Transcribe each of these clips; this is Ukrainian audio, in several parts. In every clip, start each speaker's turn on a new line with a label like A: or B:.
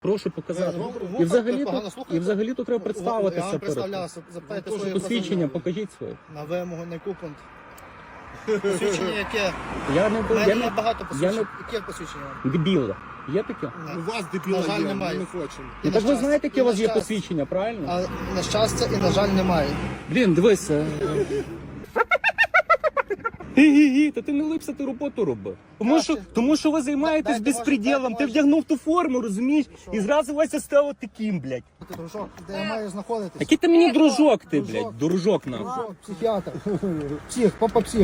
A: Прошу показати.
B: Ви
A: І взагалі тут треба представитися.
B: Я вам представлявся, запитайте своє
A: Посвідчення, покажіть своє.
B: На вимогу, на яку пункт? Посвідчення яке?
A: Я не
B: У мене є багато посвідчень. Яке посвідчення?
A: Дебіла. Є таке?
C: У вас дебіла
B: На жаль,
C: є,
B: немає.
C: ми не хочемо.
A: Ну, так ви знаєте, яке у вас є посвідчення, правильно?
B: А на щастя і, на жаль, немає.
A: Блін, дивися. Гі-гі-гі, та ти не липся, ти роботу роби. Тому що ви займаєтесь
B: Дайте,
A: безпреділом.
B: може,
A: Ти вдягнув ту форму, розумієш? І зразу Вася став таким, блядь.
B: Дружок, де я маю знаходитись?
A: Який ти мені дружок ти,
B: Дружок.
A: блядь, дружок нам.
B: Дружок, психіатр. Псих, папа псих.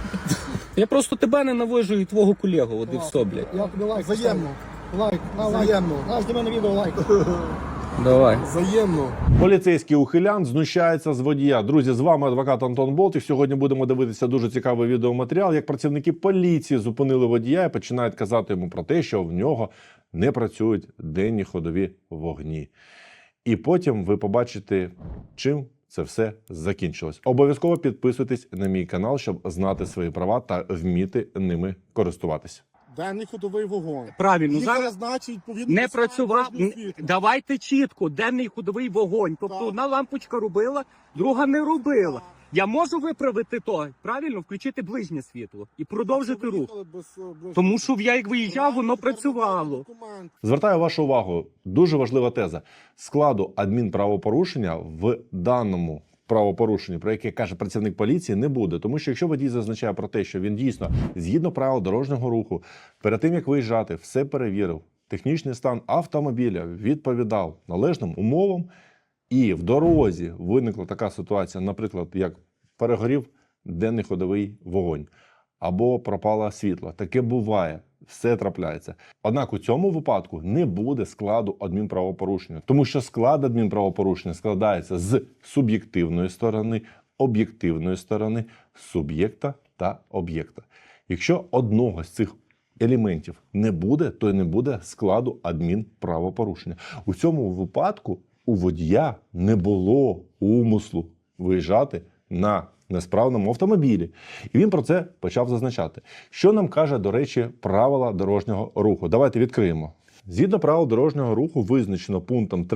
A: Я просто тебе ненавижу і твого колегу, от і все, блядь.
B: Я тобі лайк
C: Взаємно.
B: поставлю. Лайк, на лайк.
C: Взаємно.
B: На, зніми на відео лайк.
A: Давай.
C: Взаємно.
D: Поліцейський ухилян знущається з водія. Друзі, з вами адвокат Антон Болтик. Сьогодні будемо дивитися дуже цікавий відеоматеріал, як працівники поліції зупинили водія і починають казати йому про те, що в нього не працюють денні ходові вогні. І потім ви побачите, чим це все закінчилось. Обов'язково підписуйтесь на мій канал, щоб знати свої права та вміти ними користуватися.
C: Денний ходовий вогонь.
A: Правильно,
C: Лікар,
A: зараз
C: значить, відповідно
A: не
C: до
A: працював.
C: дорожнього світла.
A: Давайте чітко, денний ходовий вогонь. Тобто
C: Так.
A: одна лампочка робила, друга не робила. Я можу виправити то, правильно, включити ближнє світло і продовжити рух.
C: Їхали без ближнього.
A: Тому що я як виїжджав, воно працювало.
C: Документ.
D: Звертаю вашу увагу, дуже важлива теза. Складу адмінправопорушення в даному правопорушенні, про яке каже працівник поліції, не буде. Тому що якщо водій зазначає про те, що він дійсно, згідно правил дорожнього руху, перед тим, як виїжджати, все перевірив, технічний стан автомобіля відповідав належним умовам, і в дорозі виникла така ситуація, наприклад, як перегорів денний ходовий вогонь, або пропало світло. Таке буває. Все трапляється. Однак у цьому випадку не буде складу адмінправопорушення, тому що склад адмінправопорушення складається з суб'єктивної сторони, об'єктивної сторони, суб'єкта та об'єкта. Якщо одного з цих елементів не буде, то й не буде складу адмінправопорушення. У цьому випадку у водія не було умислу виїжджати на несправному автомобілі. І він про це почав зазначати. Що нам каже, до речі, правила дорожнього руху? Давайте відкриємо. Згідно правил дорожнього руху визначено пунктом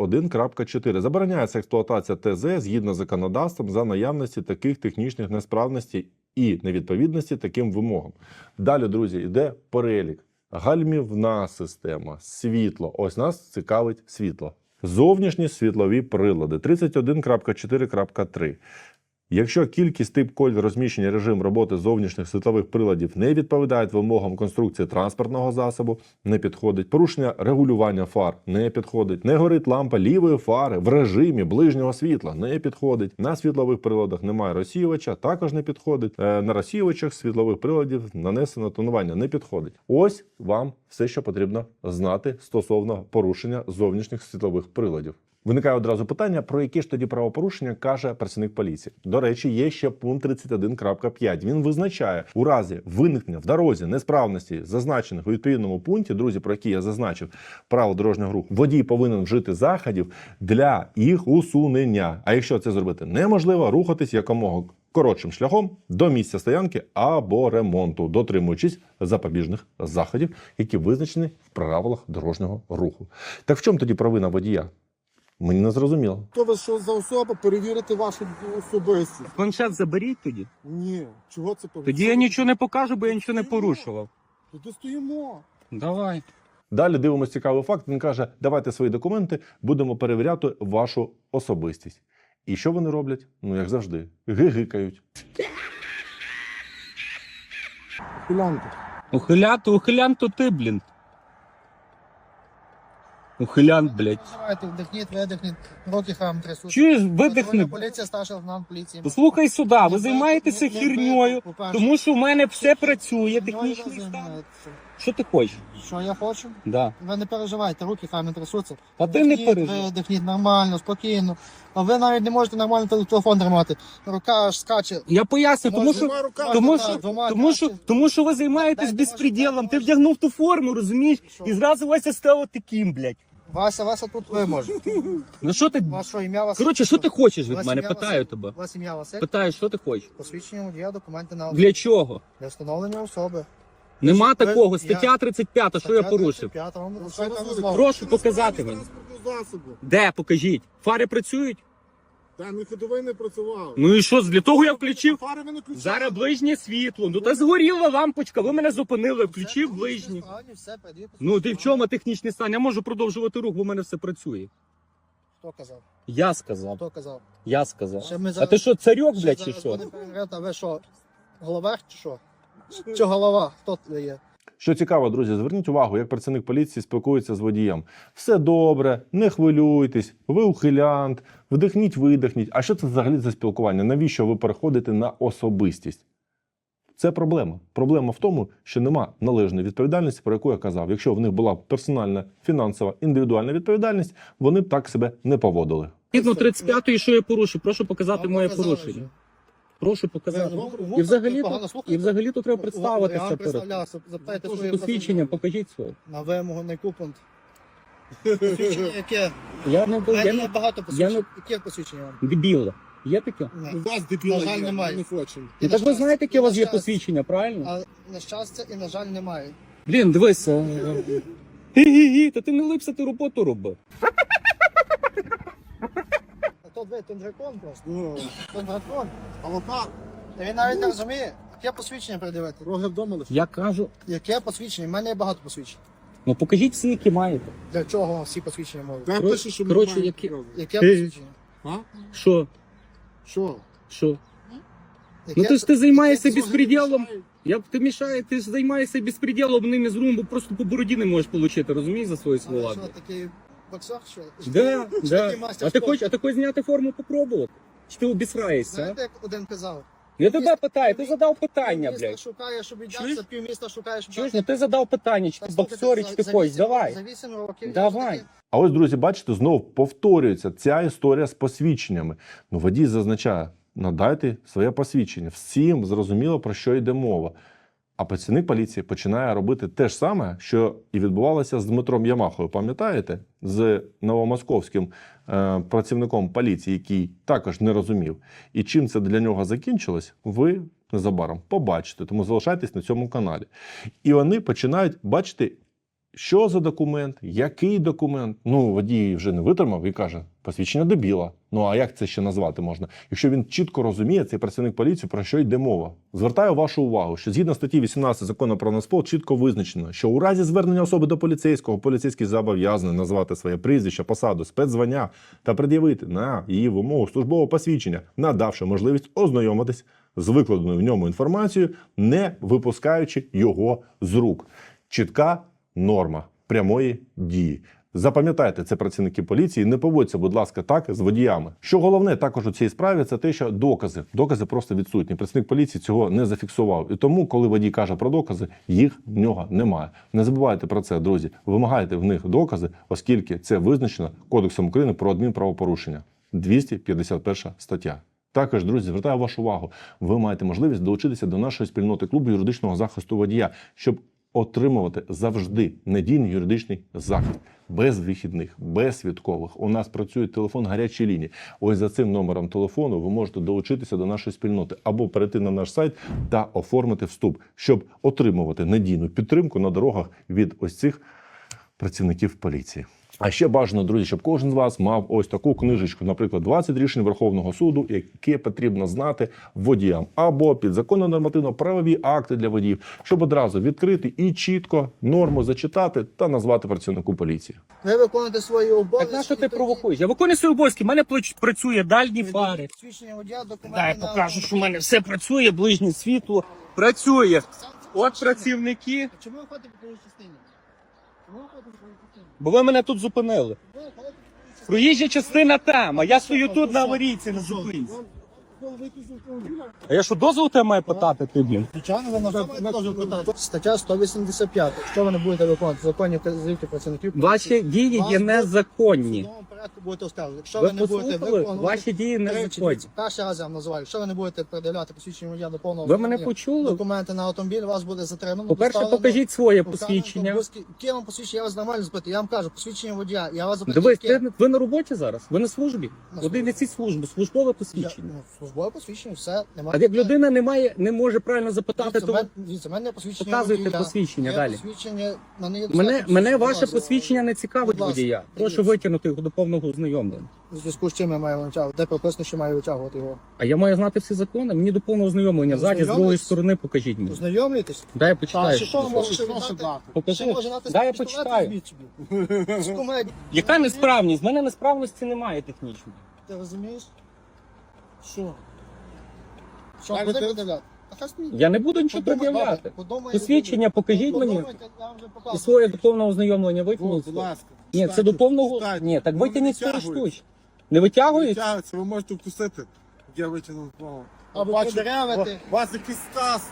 D: 31.4. Забороняється експлуатація ТЗ згідно з законодавством за наявності таких технічних несправностей і невідповідності таким вимогам. Далі, друзі, йде перелік. Гальмівна система, світло. Ось нас цікавить світло. Зовнішні світлові прилади. 31.4.3. Якщо кількість, тип, колір, розміщення, режим роботи зовнішніх світлових приладів не відповідають вимогам конструкції транспортного засобу, не підходить. Порушення регулювання фар не підходить. Не горить лампа лівої фари в режимі ближнього світла не підходить. На світлових приладах немає розсіювача, також не підходить. На розсіювачах світлових приладів нанесено тонування не підходить. Ось вам все, що потрібно знати стосовно порушення зовнішніх світлових приладів. Виникає одразу питання, про які ж тоді правопорушення каже працівник поліції. До речі, є ще пункт 31.5. Він визначає, у разі виникнення в дорозі несправності, зазначених у відповідному пункті, друзі, про які я зазначив, правил дорожнього руху, водій повинен вжити заходів для їх усунення. А якщо це зробити неможливо, рухатись якомога коротшим шляхом до місця стоянки або ремонту, дотримуючись запобіжних заходів, які визначені в правилах дорожнього руху. Так в чому тоді провина водія? Мені не зрозуміло.
C: Хто ви що за особа? Перевірити вашу особистість.
A: Планшет заберіть тоді.
C: Ні. Чого це повинно?
A: Тоді я нічого не покажу, бо я нічого не порушував.
C: Тоді стоїмо.
A: Давай.
D: Далі дивимося цікавий факт. Він каже, давайте свої документи, будемо перевіряти вашу особистість. І що вони роблять? Ну, як завжди, гигикають.
C: Пілянка.
A: Ухилян, то ти, блін. Ухилян, блядь.
B: Давайте, вдихніть, видихніть, руки хам трясуть.
A: Чуєш, видихни.
B: Патрульна поліція, старший лейтенант поліції.
A: Послухай сюди, ви займаєтеся херньою, тому що в мене все працює, технічний стан. Що ти хочеш?
B: Що я хочу?
A: Да.
B: Ви не переживайте, руки хай не трясуться.
A: А ти не переживай.
B: Видихніть нормально, спокійно. А ви навіть не можете нормально телефон тримати. Рука аж скаче.
A: Я поясню, тому що,
C: Двома руками.
A: тому що ви займаєтесь
B: Дайте,
A: безпреділом. Ти вдягнув ту форму, розумієш?
B: Що?
A: І зразу Вася став таким, блядь.
B: Вася тут ви можете.
A: Ну що ти?
B: Ваше ім'я Василь.
A: Коротше, що ти хочеш від
B: Ваше
A: мене?
B: ім'я
A: Питаю
B: Василь.
A: тебе.
B: Ваше ім'я Василь.
A: Питаю, що ти хочеш?
B: Посвідчення водія, документи на
A: Для чого?
B: для встановлення особи.
A: Нема
B: Ви-
A: такого.
B: я-
A: Стаття 35, що я порушив?
B: 35, вам
C: Ну,
B: розповідаю
C: що ви
B: розмову.
A: Прошу показати мені.
C: Засобу.
A: Де, покажіть. Фари працюють?
C: Та не ходовий не працював.
A: Ну і що, для того я включив?
C: Фари ви не включали.
A: Зараз ближнє світло. Ну та згоріла лампочка, ви мене зупинили, включив ближнє.
B: Все, передаю
A: Ну ти в
B: посвідчення.
A: чому технічний стан? Я можу продовжувати рух, бо в мене все працює.
B: Хто казав?
A: Я сказав.
B: Хто казав?
A: Я сказав.
B: Ще ми
A: А
B: зараз-
A: ти що, царьок,
B: Ще
A: блядь, чи
B: зараз
A: що?
B: будемо перевіряти, а ви що, головах чи що? Чи голова? Хто це є?
D: Що цікаво, друзі, зверніть увагу, як працівник поліції спілкується з водієм. Все добре, не хвилюйтесь, ви ухилянт, вдихніть, видихніть. А що це взагалі за спілкування? Навіщо ви переходите на особистість? Це проблема. Проблема в тому, що нема належної відповідальності, про яку я казав. Якщо в них була персональна, фінансова, індивідуальна відповідальність, вони б так себе не поводили.
A: Згідно 35-ї, що я порушив? Прошу показати
B: Вам
A: моє
B: показали
A: порушення.
B: вже.
A: Прошу показати.
B: Ви
A: І взагалі
B: погано
A: то
B: слухаєте?
A: треба
B: Я
A: представитися
B: вам
A: перед.
B: представлявся, запитайте своє
A: Посвідчення, покажіть своє.
B: на вимогу не купунт. Посвідчення яке?
A: Я не
B: У мене
A: я
B: є
A: не
B: багато посвідчень.
A: не-
B: Яке посвідчення вам?
A: дебіл. Є таке?
B: Ні.
C: У вас дебіла
B: На жаль,
C: є,
B: немає.
C: ми не хочемо.
A: Ну
B: на
A: так ви
B: щастя,
A: знаєте, яке у
B: і
A: вас
B: на
A: є
B: щастя.
A: посвідчення, правильно?
B: А на щастя і на жаль немає.
A: Блін, дивися. Гі-гі-гі, та ти не липся, ти роботу роби.
B: А то ви тундракон просто.
C: Ну,
B: Тундракон.
C: авокад,
B: Та він навіть не розуміє, яке посвідчення придивити.
C: роги вдома лише.
A: Я кажу,
B: Яке посвідчення? У мене є багато посвідчень.
A: ну покажіть всі, які маєте.
B: Для чого вам всі посвідчення можуть?
C: Де пише, що ми
A: коротше,
C: маємо
A: які-
C: право?
B: Яке посвідчення?
C: А?
A: Що?
C: Що?
A: Що?
B: Яке-
A: Ну ти ж ти займаєшся
B: яке-
A: безпреділом. Ти мішає, ти ж займаєшся безпреділом ними з румбу, просто по бороді не можеш отримати, розумієш, за свої
B: А
A: слова.
B: ви що, такий боксер, що?
A: Да,
B: Чи
A: да.
B: такий мастер
A: А ти
B: спорту?
A: хочеш зняти форму попробувати? Чи ти обісраєшся? а?
B: Знаєте, як один казав?
A: Я тебе питаю, ти задав питання,
B: Півміста
A: блядь.
B: шукає, щоб
A: Чуєш?
B: віддався, півміста шукає, щоб
A: Чуєш,
B: дати.
A: ну ти задав питання, чи
B: Так,
A: ти
B: слухайте,
A: боксер, чи ти
B: за
A: хочеш,
B: 8
A: давай.
B: За 8 років.
A: Давай.
B: я
D: А ось, друзі, бачите, знову повторюється ця історія з посвідченнями. Ну, водій зазначає, надайте своє посвідчення. Всім зрозуміло, про що йде мова. А працівник поліції починає робити те ж саме, що і відбувалося з Дмитром Ямахою. Пам'ятаєте? З новомосковським працівником поліції, який також не розумів. І чим це для нього закінчилось, ви незабаром побачите. Тому залишайтесь на цьому каналі. І вони починають бачити, що за документ, який документ. Ну, водій вже не витримав і каже, посвідчення дебіла. Ну, а як це ще назвати можна? Якщо він чітко розуміє, цей працівник поліції, про що йде мова. Звертаю вашу увагу, що згідно статті 18 Закону про Нацпол чітко визначено, що у разі звернення особи до поліцейського, поліцейський зобов'язаний назвати своє прізвище, посаду, спецзвання та пред'явити на її вимогу службове посвідчення, надавши можливість ознайомитись з викладеною в ньому інформацією, не випускаючи його з рук. Чітка норма прямої дії. Запам'ятайте, це працівники поліції, не поводьте, будь ласка, так з водіями. Що головне також у цій справі, це те, що докази просто відсутні. Працівник поліції цього не зафіксував. І тому, коли водій каже про докази, їх в нього немає. Не забувайте про це, друзі. Вимагайте в них докази, оскільки це визначено Кодексом України про адмінправопорушення. 251 стаття. Також, друзі, звертаю вашу увагу, ви маєте можливість долучитися до нашої спільноти клубу юридичного захисту водія, щоб отримувати завжди надійний юридичний захист. Без вихідних, без святкових. У нас працює телефон гарячої лінії. Ось за цим номером телефону ви можете долучитися до нашої спільноти або перейти на наш сайт та оформити вступ, щоб отримувати надійну підтримку на дорогах від ось цих працівників поліції. А ще бажано, друзі, щоб кожен з вас мав ось таку книжечку, наприклад, 20 рішень Верховного суду, яке потрібно знати водіям, або підзаконно нормативно-правові акти для водіїв, щоб одразу відкрити і чітко норму зачитати та назвати працівнику поліції.
B: Ви виконуєте свої обов'язки.
A: Так на що ти
B: і тоді
A: провокуєш? Я виконую свої обов'язки, в мене працює дальні фари.
B: Посвідчення водія, документи
A: Дай
B: на
A: покажу, що в мене все працює, ближнє світло працює. От працівники,
B: Чому ви ходите по другій частині? Чому ви ходите по другій частині?
A: бо ви мене тут зупинили.
B: Ви ходите по другій частині.
A: Проїжджа частина там, а я стою тут на аварійці, на зупинці. А я що, дозвол тебе маю питати, ти, блін?
B: Звичайно, ви на що питати? Стаття 185. Якщо ви не будете виконувати законні вказівки працівників,
A: Ваші дії є незаконні.
B: в судовому порядку порядку будете оскаржувати. Якщо
A: Ви
B: ви не будете
A: послухали?
B: виконувати...
A: Ваші дії не
B: Значить,
A: виходять.
B: перший раз я вам називаю. Якщо ви не будете пред'являти посвідчення водія до повного
A: Ви мене
B: ознайомлення,
A: почули?
B: документи на автомобіль, вас буде затримано.
A: По-перше,
B: доставлено,
A: покажіть своє
B: покарано,
A: посвідчення.
B: Яке вам посвідчення? Я вас нормально запитую. Я вам кажу, посвідчення водія. Я вас запитую.
A: Дивись,
B: яке?
A: ви на роботі зараз? Ви на службі?
B: На
A: Один не ці служби, службове посвідчення.
B: Службове посвідчення, все. Немає.
A: А як людина не може правильно запитати, то
B: Дивіться, в мене посвідчення
A: показуйте
B: водія.
A: посвідчення
B: Є
A: далі.
B: Посвідчення, в мене є
A: Мене
B: посвідчення,
A: ваше
B: будь ласка.
A: посвідчення не цікавить
B: Будь ласка,
A: водія. Прошу
B: дивіться.
A: витягнути його до повного ознайомлення.
B: У зв'язку з чим я маю витягувати? Де прописано, що маю витягувати його?
A: А я маю знати всі закони. Мені до повного ознайомлення. Ззаді, з другої
B: Ознайомитись?
A: сторони покажіть мені.
B: Ознайомлюєтесь?
A: Дай я
B: Так,
A: почитаю.
B: що вам може
C: Що
B: дати?
C: дати?
A: Покажи.
B: Що може дати
A: Дай я
B: пістолет,
A: почитаю.
B: візьміть собі. З кумедії.
A: Яка несправність? В мене несправності немає технічної.
B: Ти розумієш?
C: Що?
B: Що,
C: Далі
B: буде
C: ти-
B: пред'являти? А хай смій.
A: Я не буду нічого пред'являти. Посвідчення покажіть мені. І своє до повного ознайомлення витягніть.
C: Будь ласка.
A: Ні, це до повного.
C: Читайте.
A: Ні, так
C: Ну,
A: витягніть свої
C: витягують.
A: штучки. Не витягують?
C: Витягується, ви можете вкусити. Я витягнув плаву.
B: Або
C: Бачу,
B: продеревити.
C: у вас якийсь стас.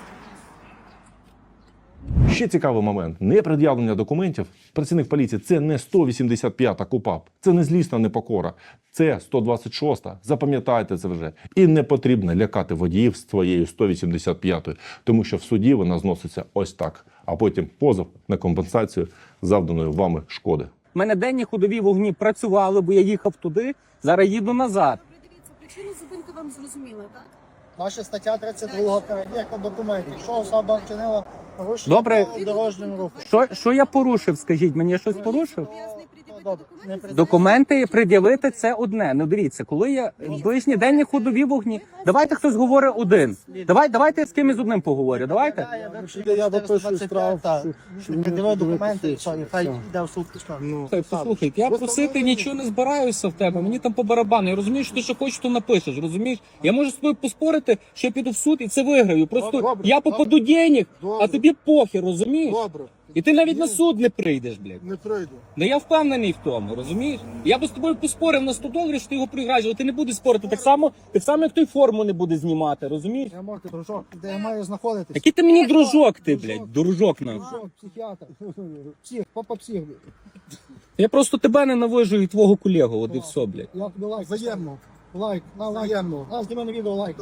D: Ще цікавий момент: непред'явлення документів працівник поліції це не 185-та КУПАП, це не злісна непокора, це 126-та. Запам'ятайте це вже. І не потрібно лякати водіїв з твоєю 185-ю, тому що в суді вона зноситься ось так, а потім позов на компенсацію завданої вами шкоди.
A: У мене денні ходові вогні працювали, бо я їхав туди, зараз їду назад.
E: Добре, дивіться, причину зупинки вам зрозуміла, так?
B: Ваша стаття 32 перевірка документів. Якщо особа вчинила порушення
A: Добре.
B: правил дорожнього руху.
A: Що я порушив, скажіть, мені я щось порушив?
E: Зобов'язаний пред'явити
B: Добре, не
E: документи.
A: Документи пред'явити це одне. Ну дивіться, коли я ближні денні ходові вогні. Давайте хтось говорить один. Давайте я з кимось одним поговорю. Давайте.
C: Я допишу штраф.
B: Пред'явив документи, все, і хай йде в суд пішов.
A: Слухай, послухай, я просити нічого не збираюся в тебе. Мені там по барабану. Я розумію, що ти що хочеш, то напишеш. Розумієш? Я можу з тобою поспорити, що я піду в суд і це виграю. Просто
C: Добре,
A: я попаду денег, а
C: Добре.
A: тобі похер, розумієш?
C: Добре.
A: І ти навіть на суд не прийдеш, блядь.
C: Не прийду.
A: Ну я впевнений в тому, розумієш? Я би з тобою поспорив на 100 доларів, що ти його програєш, але ти не будеш спорити. Так само, як той форму не буде знімати, розумієш?
B: Я можу, дружок, де я маю знаходитись?
A: Який ти мені дружок, ти, блядь, дружок нахуй.
B: Дружок, психіатр. Псих, папа псих.
A: Я просто тебе ненавижу і твого колегу, от і все, блядь.
B: Я тобі лайк.
C: Взаємно.
B: Лайк, на лайк.
C: Взаємно.
B: На, зніми на відео лайк.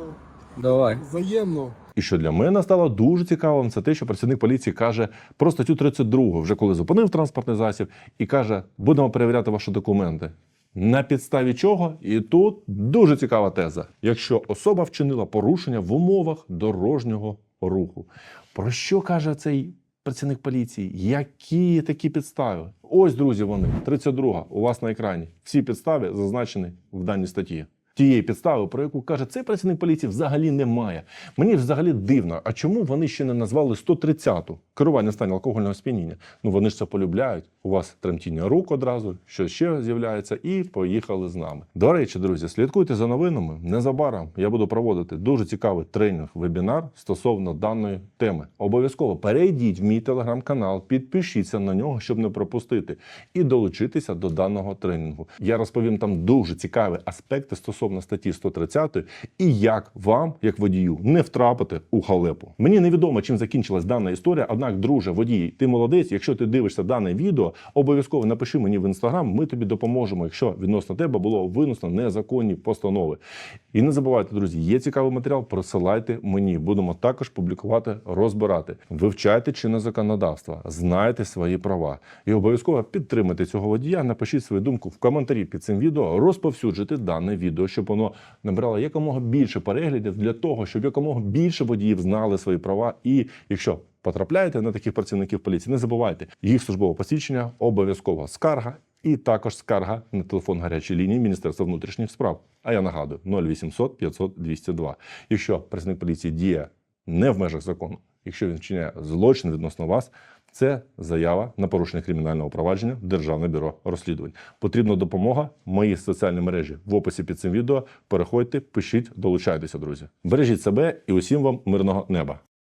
A: Давай.
C: Взаємно.
D: І що для мене стало дуже цікавим, це те, що працівник поліції каже про статтю 32, вже коли зупинив транспортний засіб, і каже, будемо перевіряти ваші документи. На підставі чого? І тут дуже цікава теза. Якщо особа вчинила порушення в умовах дорожнього руху. Про що каже цей працівник поліції? Які такі підстави? Ось, друзі, вони. 32 у вас на екрані. Всі підстави зазначені в даній статті. Тієї підстави, про яку каже цей працівник поліції, взагалі немає. Мені взагалі дивно, а чому вони ще не назвали 130-ту? Керування в стані алкогольного сп'яніння. Ну вони ж це полюбляють. У вас тремтіння рук одразу, що ще з'являється, і поїхали з нами. До речі, друзі, слідкуйте за новинами. Незабаром я буду проводити дуже цікавий тренінг-вебінар стосовно даної теми. Обов'язково перейдіть в мій телеграм-канал, підпишіться на нього, щоб не пропустити, і долучитися до даного тренінгу. Я розповім там дуже цікаві аспекти стосовно статті 130 і як вам, як водію, не втрапити у халепу. Мені невідомо, чим закінчилась дана історія, однак, друже, водій, ти молодець, якщо ти дивишся дане відео, обов'язково напиши мені в інстаграм, ми тобі допоможемо, якщо відносно тебе було винесено незаконні постанови. І не забувайте, друзі, є цікавий матеріал, присилайте мені. Будемо також публікувати, розбирати. Вивчайте чинне законодавство, знайте свої права. І обов'язково підтримайте цього водія, напишіть свою думку в коментарі під цим відео, розповсюджуйте дане відео, щоб воно набрало якомога більше переглядів для того, щоб якомога більше водіїв знали свої права. І якщо потрапляєте на таких працівників поліції, не забувайте, їх службове посвідчення обов'язково скарга і також скарга на телефон гарячої лінії Міністерства внутрішніх справ. А я нагадую, 0800 500 202. Якщо працівник поліції діє не в межах закону, якщо він вчиняє злочин відносно вас, це заява на порушення кримінального провадження в Державне бюро розслідувань. Потрібна допомога. Мої соціальні мережі в описі під цим відео. Переходьте, пишіть, долучайтеся, друзі. Бережіть себе і усім вам мирного неба.